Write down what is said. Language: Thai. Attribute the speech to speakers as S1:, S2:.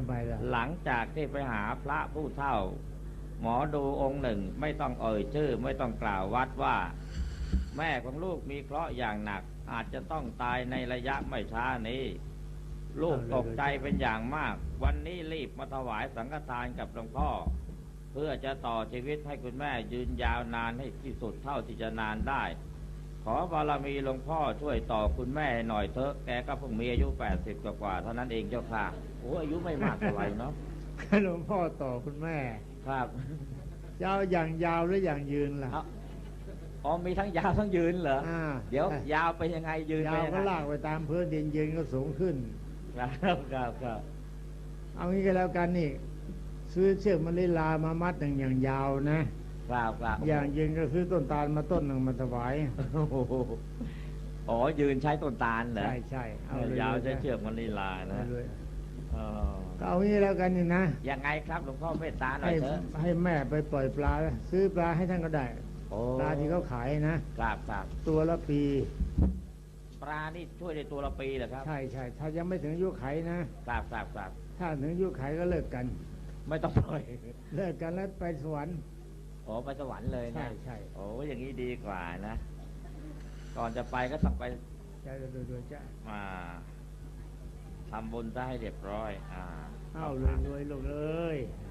S1: ไมล่ะ
S2: หลังจากที่ไปหาพระผู้เฒ่า หมอดูองค์หนึ่งไม่ต้องเอ่ยชื่อไม่ต้องกล่าววัดว่าแม่ของลูกมีเคราะห์อย่างหนักอาจจะต้องตายในระยะไม่ช้านี้ลูกตกใจเป็นอย่างมากวันนี้รีบมาถวายสังฆทานกับหลวงพ่อเพื่อจะต่อชีวิตให้คุณแม่ยืนยาวนานให้ที่สุดเท่าที่จะนานได้ขอบารมีหลวงพ่อช่วยต่อคุณแม่หน่อยเถอะแกก็เพิ่งมีอายุ80กว่าเท่านั้นเองเจ้าค่ะโอ้อายุไม่มากเท่าไหร่เนาะ
S1: หลวงพ่อต่อคุณแม่
S2: ครับ
S1: ยาวอย่างยาวหรืออย่างยืนล่ะ
S2: อ๋อมีทั้งยาวทั้งยืนเหรอเดี๋ยวยาวไปยังไงยืน
S1: ยาวก็ลากไปตามพื้นดินยืนก็สูงขึ้น
S2: ครับครับ
S1: เอางี้ก็แล้วกันนี่ซื้อเชือกมะลิลามามัดหนึ่งอย่างยาวนะครับอย่างยืนก็ซื้อต้นตาลมาต้นหนึ่งมาถวาย
S2: อ๋อยืนใช้ต้นตาลเหรอ
S1: ใช่
S2: เอายาวใช้เชือกมะลิลานะ
S1: ก็เอางี้แล้วกันนี่นะ
S2: ยังไงครับหลวงพ่อเมตตาหน่อยเถอะ
S1: ให้แม่ไปปล่อยปลาซื้อปลาให้ท่านก็ได้ปลาที่เขาขายนะครับตัวละปี
S2: ปลานี่ช่วยในตัวละปีเหรอครับ
S1: ใช่ถ้ายังไม่ถึงอายุไขนะครับถ้าถึงอายุไขก็เลิกกัน
S2: ไม่ต้องปล่อย
S1: เลิกกันแล้วไปสวรรค์
S2: ไปสวรรค์เลยนะ
S1: ใช่
S2: โอ้อย่างนี้ดีกว่านะก่อนจะไปก็ต้องไป
S1: โดยจ้ะ
S2: ทำบุญซะให้เรียบร้อย
S1: รวยลูกเอ้ย